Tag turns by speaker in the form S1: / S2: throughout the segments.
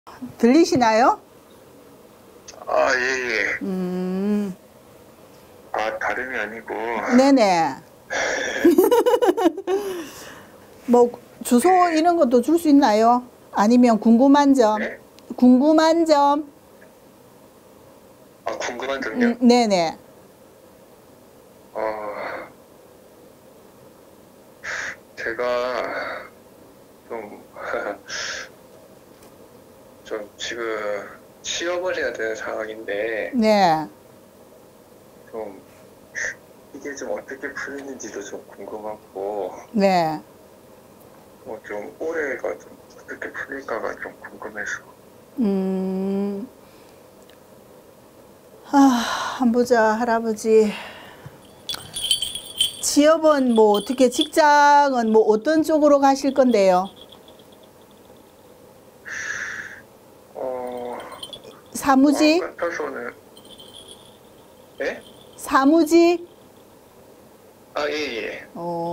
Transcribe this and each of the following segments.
S1: 들리시나요?
S2: 아, 예, 예. 아, 다름이 아니고.
S1: 네네. 뭐 주소 이런 것도 줄 수 있나요? 아니면 궁금한 점?
S2: 네?
S1: 궁금한 점?
S2: 아, 궁금한 점요?
S1: 네네.
S2: 제가 좀, 좀 지금 취업을 해야 되는 상황인데,
S1: 네.
S2: 좀, 이게 좀 어떻게 풀리는지도 좀 궁금하고,
S1: 네.
S2: 뭐 좀 올해가 좀 어떻게 풀릴까가 좀 궁금해서.
S1: 한번 보자, 할아버지. 취업은 뭐 어떻게, 직장은 뭐 어떤 쪽으로 가실 건데요? 사무직?
S2: 마음 같아서는, 네?
S1: 사무직?
S2: 아, 예, 예.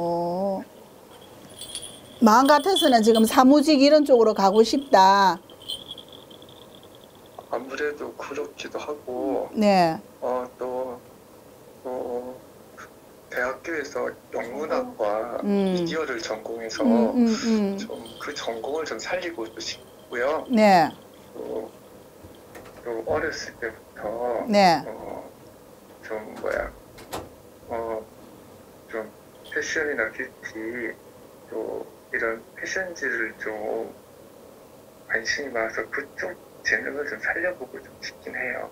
S1: 마음 같아서는 지금 사무직 이런 쪽으로 가고 싶다.
S2: 아무래도 그렇기도 하고,
S1: 네.
S2: 또, 대학교에서 영문학과 미디어를 전공해서 좀 그 전공을 좀 살리고 싶고요.
S1: 네.
S2: 또 어렸을 때부터
S1: 네.
S2: 좀 좀 패션이나 뷰티 또 이런 패션지를 좀 관심이 많아서 그쪽 재능을 좀 살려보고 좀 싶긴 해요.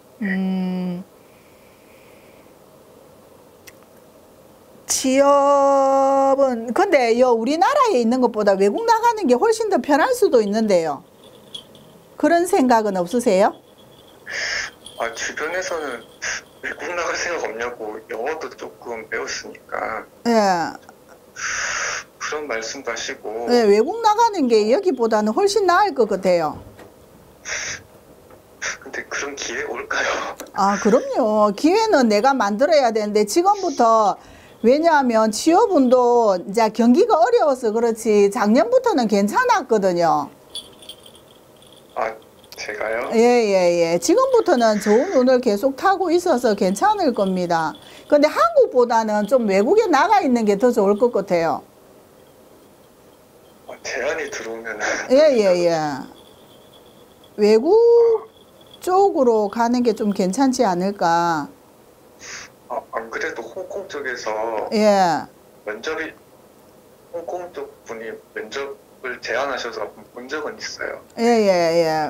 S1: 취업은 근데 우리나라에 있는 것보다 외국 나가는 게 훨씬 더 편할 수도 있는데요. 그런 생각은 없으세요?
S2: 아, 주변에서는 외국 나갈 생각 없냐고 영어도 조금 배웠으니까
S1: 예.
S2: 그런 말씀도 하시고.
S1: 네, 외국 나가는 게 여기보다는 훨씬 나을 것 같아요.
S2: 근데 그런 기회 올까요?
S1: 아, 그럼요. 기회는 내가 만들어야 되는데 지금부터, 왜냐하면 취업운도 이제 경기가 어려워서 그렇지 작년부터는 괜찮았거든요.
S2: 아, 제가요?
S1: 예. 지금부터는 좋은 운을 계속 타고 있어서 괜찮을 겁니다. 근데 한국보다는 좀 외국에 나가 있는 게 더 좋을 것 같아요.
S2: 제안이 들어오면.
S1: 예. 외국 쪽으로 가는 게 좀 괜찮지 않을까.
S2: 안 그래도 홍콩 쪽에서
S1: 예.
S2: 홍콩 쪽 분이 면접을 제안하셔서 본 적은 있어요.
S1: 예.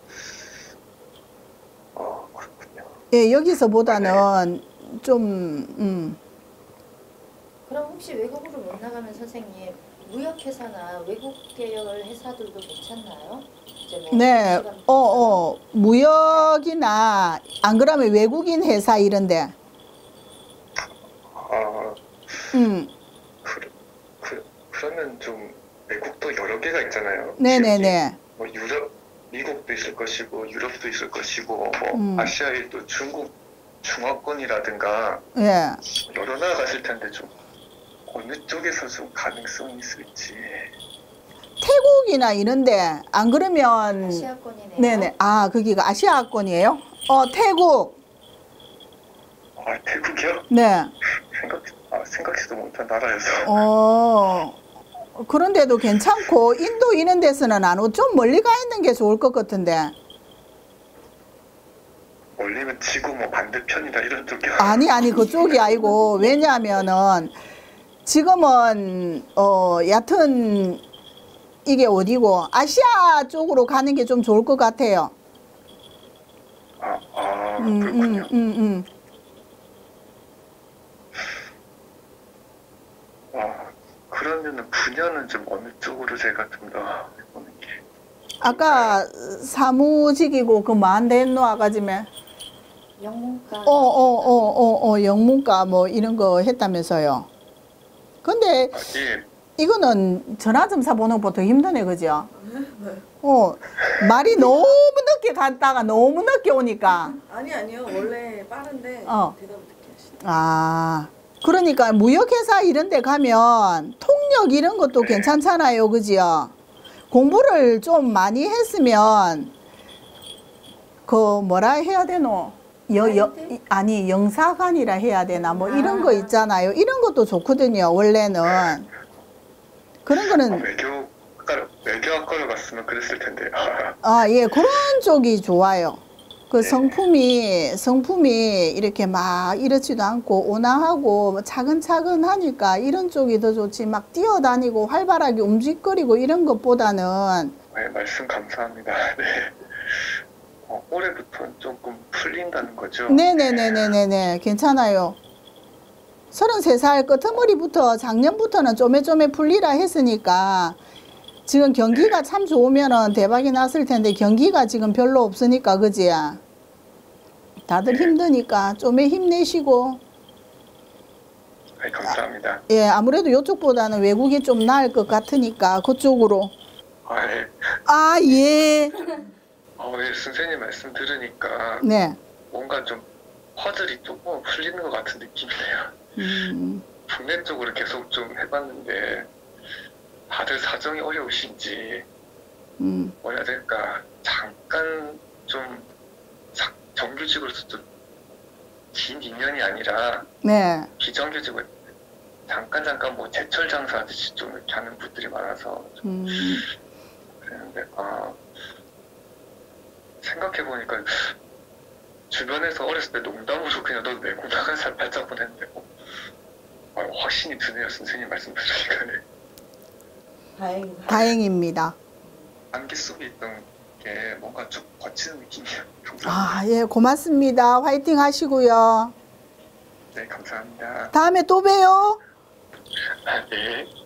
S2: 그렇군요.
S1: 예, 여기서보다는 좀,
S3: 그럼 혹시 외국으로 못 나가면 선생님 무역회사나 외국 계열 회사들도 괜찮나요? 이제 뭐
S1: 네, 무역이나 안 그러면 외국인 회사 이런데.
S2: 그러면 좀 외국도 여러 개가 있잖아요.
S1: 네네네.
S2: 뭐 미국도 있을 것이고 유럽도 있을 것이고 뭐 아시아의 또 중국 중화권이라든가
S1: 예.
S2: 여러 나라 가실 텐데 좀 어느 쪽에서 좀 가능성이 있을지.
S1: 태국이나 이런데 안 그러면
S3: 아시아권이네요.
S1: 네네. 아, 거기가 아시아권이에요? 태국.
S2: 아, 태국이요?
S1: 네.
S2: 생각지도 못한 나라여서.
S1: 그런데도 괜찮고 인도 이런 데서는 안 오고 좀 멀리 가 있는 게 좋을 것 같은데.
S2: 멀리면 지구 뭐 반대편이나 이런 쪽이요?
S1: 아니 그쪽이 아니고, 왜냐하면은 지금은 얕은 이게 어디고 아시아 쪽으로 가는 게 좀 좋을 것 같아요.
S2: 그렇군요. 그러면은 분야는 좀 어느 쪽으로 제가 좀 더 해보는 게.
S1: 아까 사무직이고 그 뭐한데 했노 아가지면?
S3: 영문과.
S1: 영문과 뭐 이런 거 했다면서요. 근데
S2: 예.
S1: 이거는 전화점사 보는 것보다 힘드네, 그죠? 말이 너무 늦게 갔다가 너무 늦게 오니까.
S4: 아니요. 원래 빠른데 대답을 늦게 하시네.
S1: 그러니까 무역회사 이런 데 가면 통역 이런 것도 괜찮잖아요, 그죠? 공부를 좀 많이 했으면 그 뭐라 해야 되노? 아니 영사관이라 해야 되나 뭐 이런 거 있잖아요. 이런 것도 좋거든요. 원래는 그런 거는
S2: 외교학과로 갔으면 그랬을 텐데.
S1: 아, 예, 그런 쪽이 좋아요. 그 성품이 이렇게 막 이렇지도 않고 온화하고 차근차근 하니까 이런 쪽이 더 좋지. 막 뛰어다니고 활발하게 움직거리고 이런 것보다는.
S2: 네, 말씀 감사합니다. 네. 올해부터는 조금 풀린다는 거죠?
S1: 네네네네네, 괜찮아요. 33살 끄트머리부터 작년부터는 쪼매쪼매 풀리라 했으니까 지금 경기가 참 좋으면은 대박이 났을 텐데 경기가 지금 별로 없으니까 그지? 다들 힘드니까 좀에 힘내시고.
S2: 네, 감사합니다.
S1: 예, 아무래도 이쪽보다는 외국이 좀 나을 것 같으니까 그쪽으로.
S2: 네.
S1: 아, 예.
S2: 네, 선생님 말씀 들으니까
S1: 네.
S2: 뭔가 좀 퍼즐이 조금 풀리는 것 같은 느낌이네요. 국내 쪽으로 계속 좀 해봤는데 다들 사정이 어려우신지 뭐 해야 될까, 잠깐 좀 정규직으로서 좀 긴 2년이 아니라
S1: 네.
S2: 비정규직으로 잠깐 뭐 제철 장사하듯이 좀 이렇게 하는 분들이 많아서 좀 그랬는데 생각해보니까 주변에서 어렸을 때 농담으로 그냥 너 외국 나가 살 발자국 했는데 확신이 드네요. 선생님 말씀 들으니까.
S1: 다행입니다.
S2: 안개 속에 있던 게 뭔가 좀 거치는 느낌이에요.
S1: 아, 예, 고맙습니다. 화이팅 하시고요.
S2: 네, 감사합니다.
S1: 다음에 또 봬요.
S2: 네.